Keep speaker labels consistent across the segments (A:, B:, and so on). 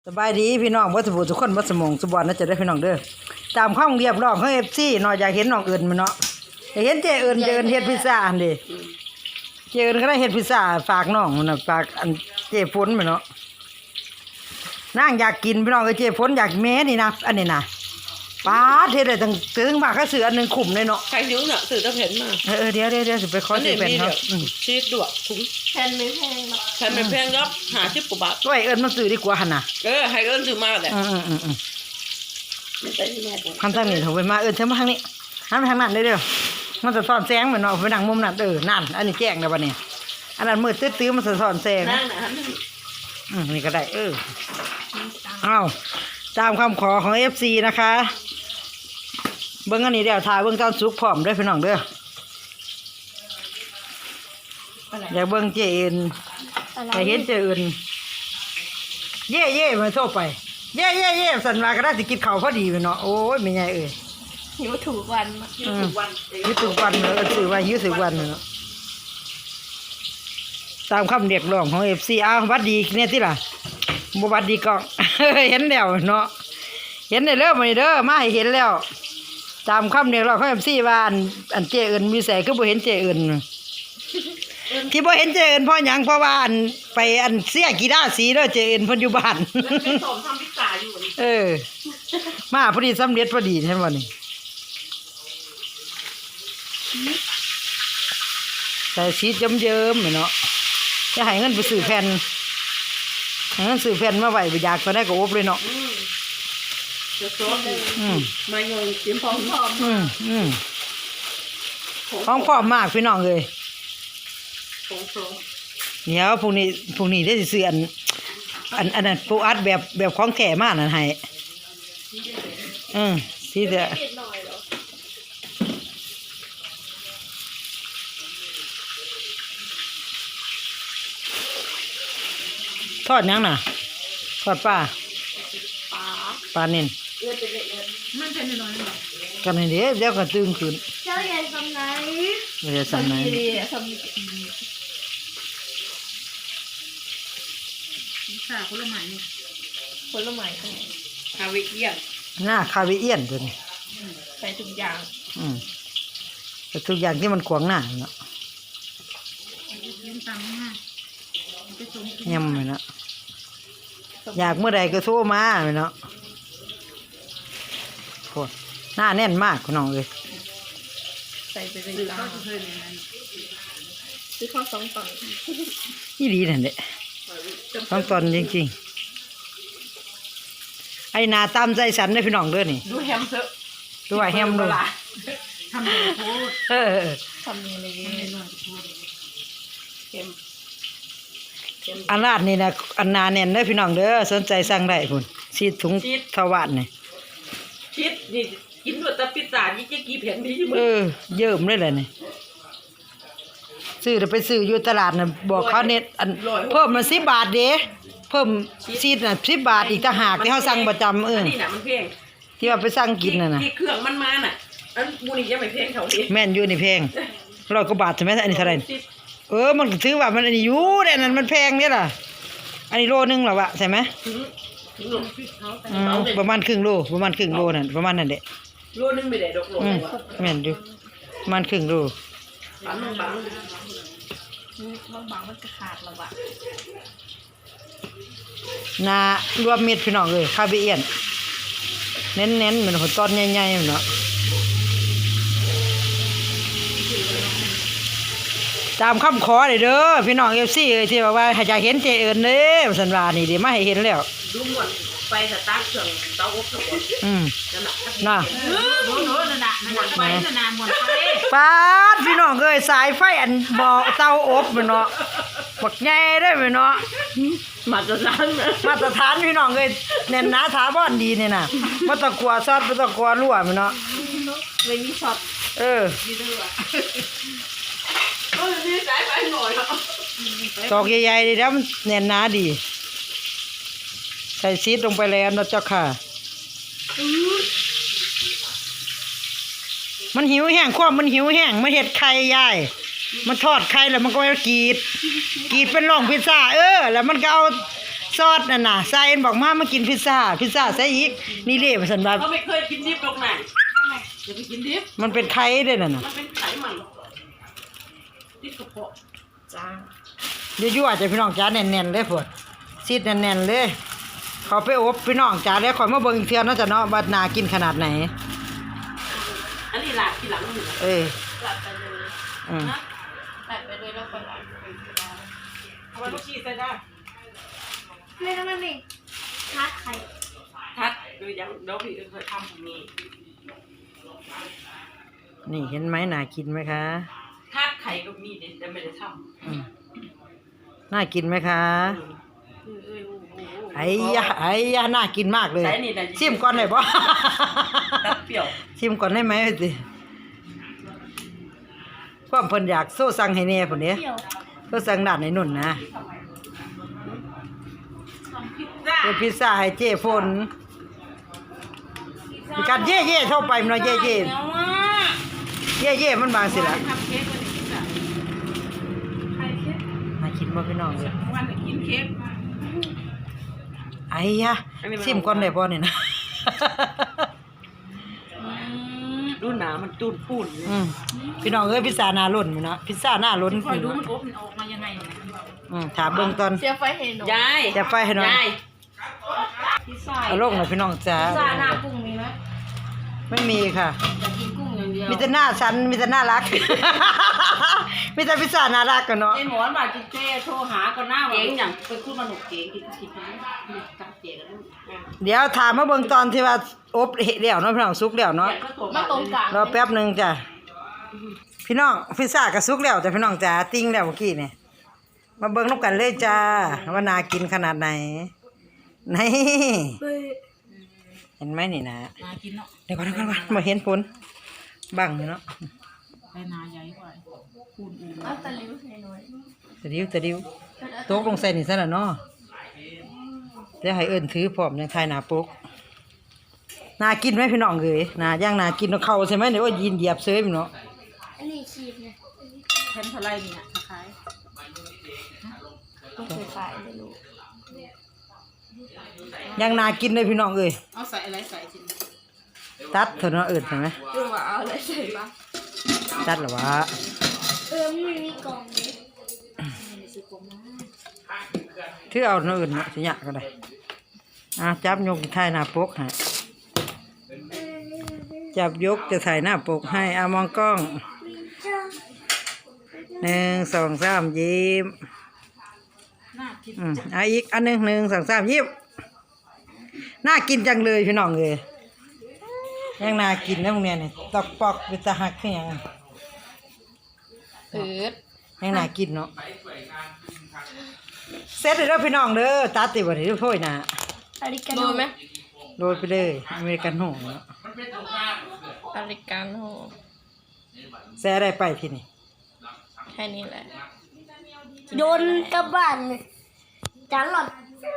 A: สบายดีพี่น้องบ่สมบูรณ์ทุกคนบ่สมองสมบัตินะจะได้พี่น้องเด้อตามข้องเรียบร้องของ FC เนาะอยากเห็นน้องเอิญมันเนาะอยากเห็นเจเอิญเฮ็ดพิซซ่าอันเด้เจเอิญก็ได้เฮ็ดพิซซ่าฝากน้องมันน่ะฝากอันเจฝนมันเนาะนางอยากกินพี่น้องเอ้ยเจฝนอยากแม่นี่นะอันนี้นะป๊าดเฮ็ดได้ถึงมากก็ซื้ออันนึงคุ้มเลยเนาะ
B: ใครนิ้วน่ะสื่อตะเพ็นมา
A: เดี๋ยวสิไปขอซื้อแผ่นเนาะ
B: ชีสด้วยถุง
C: แผ่นไม่แพงหรอก
B: แผ่นไม่แพงครับ50 กว่าบาท
A: ด้วยเอิญมาซื้อดีกว่าหั่นน่ะ
B: ให้เอิ้นซื้อมาแหละ
C: มันเป็นแม่บอก
A: คันทางนี้เถอะไปมาเอิญเชิญมาทางนี้หันไปทางนั้นเด้อมันจะสอนแสงเหมือนเนาะไปนั่งมุมนั้นนั่นอันนี้แจ้งแล้วบัดนี้อันนั้นมืดตื้อๆมันจะสอนแสง
B: นั่งน่ะ
A: นี่ก็ได้เอาตามคำขอของ FC นะคะเบิ้งอันนี้เดี๋ยวถ่ายเบิ้งตอนสุกพร้อมด้วยพี่น้องเด้ออยากเบิ้งเจเอ็นอยากเห็นเจเอ็นเย่มาโทษไปเย่สันมาก็ได้สิกินข้าวพอดีเนาะโอ้ยไม่ใหญ่
C: หิวถูกวัน
A: ยืดถูกวันเนาะสื่อว่ายืดถูกวันเนาะตามคำเรียกร้องของ FC อ้าววัดดีเนี่ยที่ล่ะบ่วัดดีก็เห็นแล้วเนาะเห็นได้เริ่มมาเด้อมาให้เห็นแล้วตามคำเรียกร้องของ FC ว่าอันเจเอิญมีแสคือบ่เห็นเจเอิญที่บ่เห็นเจเอิญเพราะหยังเพราะว่าไปเสียกีฬาสีเด้อเจเอิญเพิ่นอยู่บ้าน
B: เป็นสมทำพิซซ่าอยู่นี่
A: มาพอดีสำเร็จพอดีเห็นบ่นี่ใส่ชีสเยิ้มๆเนาะจะให้เงินไปซื้อแผ่นให้เงินซื้อแผ่นมาไว้บ่อยากก็ได้ก็อบเลยเนาะ
B: จะซอสมาโยนเตรียมพร้อม
A: ของพร้อมมากพี่น้องเลยเดี๋ยวพรุ่งนี้ได้สิซื้ออันนั้นปูอัดแบบของแก่มากนั่นให้สิเด้อทอดยังน่ะทอดปลาเน่น
C: มันเป็นน้อยๆ
A: กันนี่เดี๋ยวก็ตื่นขึ้น
C: เจ้าใหญ่ทำไหน
A: ทำไหน
C: ทำค่ะผลไม้เนี่ยผลไม้ข้างใน
B: คาเวเอียน
A: หน้าคาเวเอียนตัวนี้
C: ใส่ทุกอย่าง
A: แต่ทุกอย่างที่มันขวางหน้าเนาะยำเลยเนาะอยากเมื่อใดก็โทรมาเลยเนาะโคตรหน้าแน่นมากคุณน้องเลย
C: ใส่ไปเลยจ้าซื้อข้าว2 ตอน
A: นี่ดีนั่นแหละ2 ตอนจริงๆไอ้นาตามใจฉันได้พี่น้องด้วยนี่
B: ดูแฮมเถอะ
A: ดูว่าแฮมดู
B: ทำเลยพูด
C: ทำเลยเค็ม
A: อันลาดนี่นะอันนาแน่นได้พี่น้องเด้อสนใจสั่งได้พุ่นชีดถุงทวารนี่
B: ชีสนี่กินด้วยแต่พิซซ่านี่จะกี่แผ่นดี
A: เยิ่มเลยแหละนี่ซื้อไปซื้ออยู่ตลาดน่ะบอกเขาเน็ตเพิ่มมา10 บาทเด้เพิ่มชีสน่ะ10 บาทอีกต่างหากที่เขาสั่งประจำ
B: นี่น่ะมันแพง
A: ที่ว่าไปสั่งกินน่ะนะ
B: ที่เครื่องมันมาน่ะอันมูนี่ยังไม่แพงเขาดิ
A: แม่นอยู่นี่แพง100 กว่าบาทใช่ไหมอันนี้เท่าไหร่มันถือว่ามันอันนี้อยู่แต่นั้นมันแพงเนี่ยล่ะอันนี้โลนึงหรอวะใช่ไหมประมาณครึ่งโลนั่นประมาณนั่นแหละ
B: โลนึงไม่ได้ดอกโล
A: แม่นอยู่ประมาณครึ่งโล
C: บางมันจะขาดแล้ววะ
A: นารวมเม็ดพี่น้องเลยคาเบียนเน้นเหมือนหัวต้นใหญ่ๆเนาะตามคำขอเลยเด้อพี่น้องFCที่บอกว่าให้อยากเห็นเจเอิญเด้อสันว่านี่เดี๋ยวมาให้เห็นแล้ว
B: ดูหมดไปสตาร์ทเครื่องเตาอบทั้งหมด
A: น่ะ
C: ไปน่ะหมดไป
A: ป๊าดพี่น้องเอ้ยสายไฟอันบ่อเตาอบเนาะบักใหญ่ได้ไหมเนาะ
B: มาตรฐ
A: านพี่น้องเอ้ยแน่นหนาถาวรดีนี่น่ะบ่ต้องกลัวซอสบ่ต้องกลัวรั่วเนาะ
C: ไม่มีช็อต
B: นี่สายไฟหน่อย
A: ตอกใหญ่ๆดีแล้วมันแน่นหนาดีใส่ซีดลงไปแล้วนะเจ้าค่ะมันหิวแห้งมันหิวแห้งมาเห็ดไข่ยายมันทอดไข่แล้วมันก็กรีดเป็นร่องพิซซ่าแล้วมันก็เอาซอสนั่นน่ะซาเอ็นบอกมากินพิซซ่าใส่อีกนี่เด้ว่าซั่นว่า
B: เขาไม่เคยกินดิบหรอกไหนอย่าไปกินดิบ
A: มันเป็นไข่เด้นั่นน่ะ
B: มันเป็นไขมันดิบกระเพาะ
C: จ้า
A: ยั่วๆจะพี่น้องจ๋าแน่นๆเลยพุ่นซีดแน่นๆเลยเขาไปอบพี่น้องจ๋าแล้วข่อยมาเบิ่งอีกเทื่อเนาะจ้ะเนาะว่าน่ากินขนาดไหน
B: อันนี้ลาดทีหลังนี่
A: เออ
C: หลับไปเลย
A: อืม
C: หลับไปเลยแล้วก็หลับ
B: เอาไว้ลูกชีใส่ได้
C: ไม่ทัดไข่
B: ทัดโดยยังเดี๋ยวพี่เคยทำผมนี่
A: นี่เห็นไหมน่ากินไหมคะ
B: ทัดไข่ก็มีเด็ดแต่ไม่ได้ท
A: อืมน่ากินไหมคะ
B: ำ
A: ไอ้ยะน่ากินมากเลย
B: ใส่นี่นะ
A: ชิมก่อนได้บ่
B: ตัดเปรี้ยว
A: ชิมก่อนได้ไหมสิความเพิ่นอยากโซ่สั่งให้แน่พุ่นเด้
C: เปรี้ยว
A: โซ่สั่งด้านในนุ่นนะ
B: พิซซ่า
A: เป็นพิซซ่าให้เจ้ฝนมีการเย่ๆเข้าไปมันเนาะเย่
B: แล้วว่า
A: ๆเย่ๆมันบางสิล่ะ
B: ทำเค้กวันนี้พิซซ่า
C: ไข่เค็ม
A: น่ากินบ่พี่น้องเลย
B: วันนี้กินเค้ก
A: ไอ้ยะชิมก่อนได้บ่เนี่ยนะ
B: ดูหนามันตูนปูน
A: อืมพี่น้องเอ้ยพิซซ่าหน้าล้นมื้อเนาะพิซซ่าหน้าล้น
C: คอยดูมันอบมันออกมายังไงเนี่ย
A: ถามเบิ่งตอน
C: เสียไฟเห็นหนู
B: ยาย
A: จะไฟให้หน่อย
B: ยาย
C: พิซซ่า
A: เอาลงหน่อยพี่น้องจ๋า
C: พิซซ่าหน้ากุ้งมีไหม
A: ไม่มีค่ะ
C: อยากกินกุ้งอย่างเดียว
A: มีแต่หน้าฉันมีแต่น่ารัก มีแต่พิซซ่าน่ารักกันเนาะ
C: ไอ้หมอนบาดจิเจ้โทรหาก็หน้า
B: เก๋งอย่าง
C: ไปคู่มาหนุกเก๋งกินกันกับเก๋กัน
A: เดี๋ยวถามมาเบิ่งตอนที่ว่าอบเห็ดแล้วเนาะพี่น้องสุกแล้วเนาะ
C: มาตรงกลาง
A: รอแป๊บหนึงจ้ะพี่น้องพิซซ่าก็สุกแล้วจ้ะพี่น้องจ๋าติ้งแล้วเมื่อกี้นี่มาเบิ่งนำกันเลยจ้าว่าน่ากินขนาดไหนนี่เห็นไหมนี่นะ
C: นากินเนาะ
A: เดี๋ยวก่อนมาเห็นผลบังอยู่เนาะ
C: ไปนาใหญ่กว่าคูณอูเอาตะลิ้วให้หน่อย
A: ตะดิวตกลงใส่นี่ซะละเนาะเดี๋ยวให้เอิ้นถือพร้อมยังทายหน้าปกน่ากินไหมพี่น้องเอ้ยน่าย่างน่ากินเนาะเข้าใช่ไหมเดี๋ยวว่ายินเหยียบเซยพี่เนาะ
C: อันนี้ชีสเนี่ยแทนเท่าไรเนี่ยคล้ายต้องเคยขายไม่รู้
A: ย่างน่ากินเลยพี่น้องเอ้ย
C: เอาใส่อะไรใส่จริง
A: ตัดเถอะเนาะเอิ้นใช่ไหม
C: เรื่องว่าเอาอะไรใส่บ้าง
A: ตัดเหรอวะ
C: ไม่มีกล่องเลยไม่ซื้อกล่องมา
A: ถือเอาเนาะเอิ้นเนาะสิยะก็ได้จับยกถ่ายหน้าปกให้จับยกจะถ่ายหน้าปกให้มองกล้อง1 2 3ยิ้ม
C: น่ากิน
A: อีกอันหนึ่ง1 2 3ยิ้มน่ากินจังเลยพี่น้องเลยยังน่ากินนะพวกเนี้ยนี่ตอกปอกเป็นตาหักขึ้นยัง ยังน่ากินเนาะเสร็จเลยเด้อพี่น้องเด้อตัดติบ่ได้ทุกถ้วยนะ
C: อริกาโน่ไหม
A: โรยไปเลยอเมริกันโน่เนาะ
C: อริกาโน่
A: แซ่ได้ไปที่นี่
C: แค่นี้แหละ
D: โยนกลับบ้านเลยจานหลอด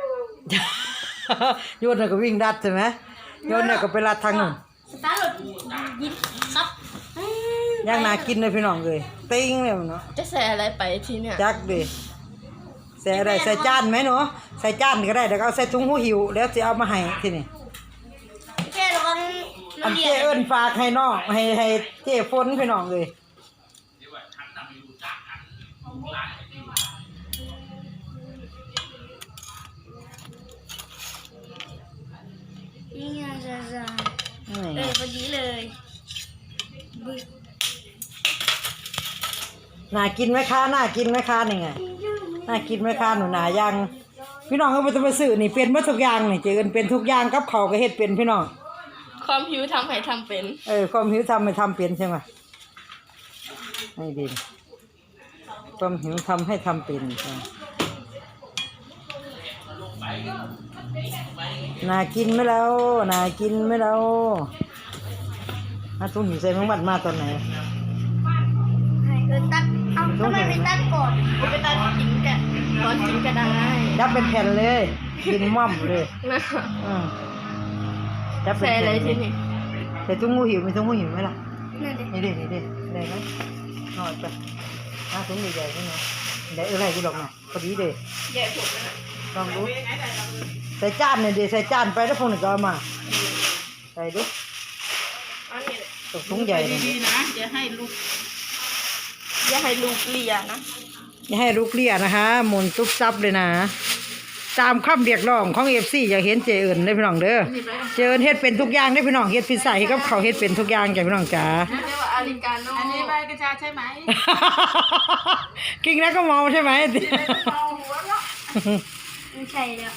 A: โยนน่ะก็วิ่งดัดใช่ไหมโยนน่ะก็ไปลัดทางนู้น
D: สตาร์ทรถยินครับ
A: ยังน่ากินเลยพี่น้องเลยติ้งเลยเนาะ
C: จะใส่อะไรไปทีเนี่ย
A: จักดิใส่อะไรใส่จานไหมหนูใส่จานก็ได้เดี๋ยวเอาใส่ถุงหูหิวแล้วจะเอามาให้ที่นี่
D: แค่ระวัง
A: อันเจ้เอิ้นฝากให้น้องให้เจ้ฝนพี่น้องเลย
D: นี่ไงจ้า
A: นี่
D: พอดีเลยบึ้
A: น่ากินไหมคะน่ากินไหมคะนี่ไงน่ากินไหมคะหนูนายังพี่น้องเขาไปต้องไปซื้อนี่เป็นหมดทุกอย่างนี่เจอกันเป็นทุกอย่างกับเขาวก็เฮ็ดเป็นพี่น้อง
C: ความหิวทำให้ทำเป็น
A: ความหิวทำให้ทำเป็นใช่ไหมไม่ดีความหิวทำให้ทำเป็นใช่ไหมน่ากินไหมแล้วน่ากินไหมแล้วตุ้งหิวใส่มังบัดมาตอนไหน
D: ให้ตัดเอาทำไมไม่ตัดก่อน
C: กูไปตัดกินกันตอนกินก็ได้
A: ยับเป็นแผ่นเลยกินม่อมเลยยับเป็น
C: ใส่
A: แผ่น
C: อะไร
A: เล
C: ที
A: ย
C: นี่
A: ใส่ตุ้งหูหิวมีตุ้งหูหิวไหมล่ะ
D: นั่นเด็
A: นี่ดิได้ไหมหน่อยไปตุ้งใหญ่ๆนี่นะได้อะไรกูหรอกนะพอดีเลย
C: แย่ผมนะ
A: ลองดูใส่จานนี่ดิใส่จานไปแล้วพวกนี้ก็เอามาใส่ดู
B: อันนี้
A: ตกถุงใหญ่เลย
B: ดีๆนะอย่าให้ลูกเลียนะ
A: อย่าให้ลูกเลี้ยนะคะหมุนตุ๊บซับเลยนะตามคำเรียกร้องของ FC อยากเห็นเจเอิญได้อพี่น้องเด้อเจเอิญเฮ็ดเป็นทุกอย่างได้อพี่น้องเฮ็ดพิซซ่าให้กับเขาวเฮ็ดเป็นทุกอย่างจ้ะพี่น้องจ๋า
B: เรียกว่าอาริกาโน่อันนี้ใบกระชาใช่ไหม
A: กินแล้วก็เมาใช่ไหม
B: เอาหัวเนาะ
D: ไม่ใช่แล้ว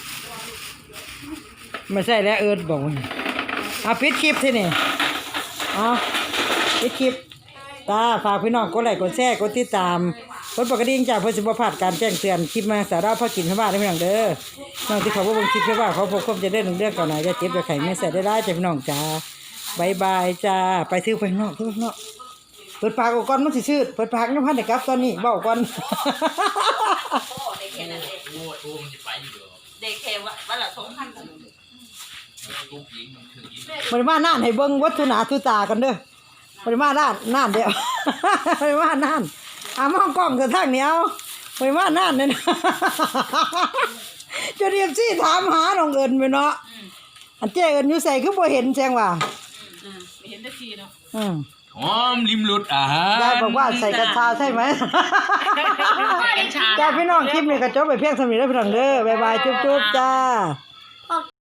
A: ไม่ใช่แล้วเอิญบอกว่าเอาปิดคลิปทีนี่เอาปิดคลิปตาฝากพี่น้องกดไลค์กดแชร์กดติดตามกดปกติจากเพื่อสิบพลาดการแจ้งเตือนคลิปมาสาระพ่อกินข้าวบ้านได้พี่น้องเด้อน้องที่เขาบอกว่าคลิปเพื่อว่าเขาพบความจะได้หนึ่งเรื่องก่อนไหนจะเจ็บจะไข่ไม่ใส่ได้จ้ะพี่น้องจ้าบายบายจ้าไปซื้อไปนอกซื้อไปนอกเปิดปากก่อนมันสิชื่อเปิดปากน้ำพันเด็กครับตอนนี้เบาก่อน
B: เด็กแค่ว่าละ2,000
A: บริมาน่านให้เบิ้งวัตถุหนาทุตากันเด้อปริมาน่านเดียว ปริมาน่านมองกล้องแต่ทางเหนียวปริมาน่านเนี่ยนะ จะเรียบซี่ถามหาน้องเอิญไปเนาะอันเจ้เอิญอยู่ใส่คือบ่เห็นแจ้งว่า
B: ไม่เห็นได้ทีเนาะ
E: หอมริมรสอาหาร
A: ยายบอกว่าใส่กัญชาใช่ไหม จ้าพี่น้องคลิปนี้ก็จบไปเพียงเท่านี้แล้วพี่น้องเด้อบ๊ายบายจุ๊บๆจ้า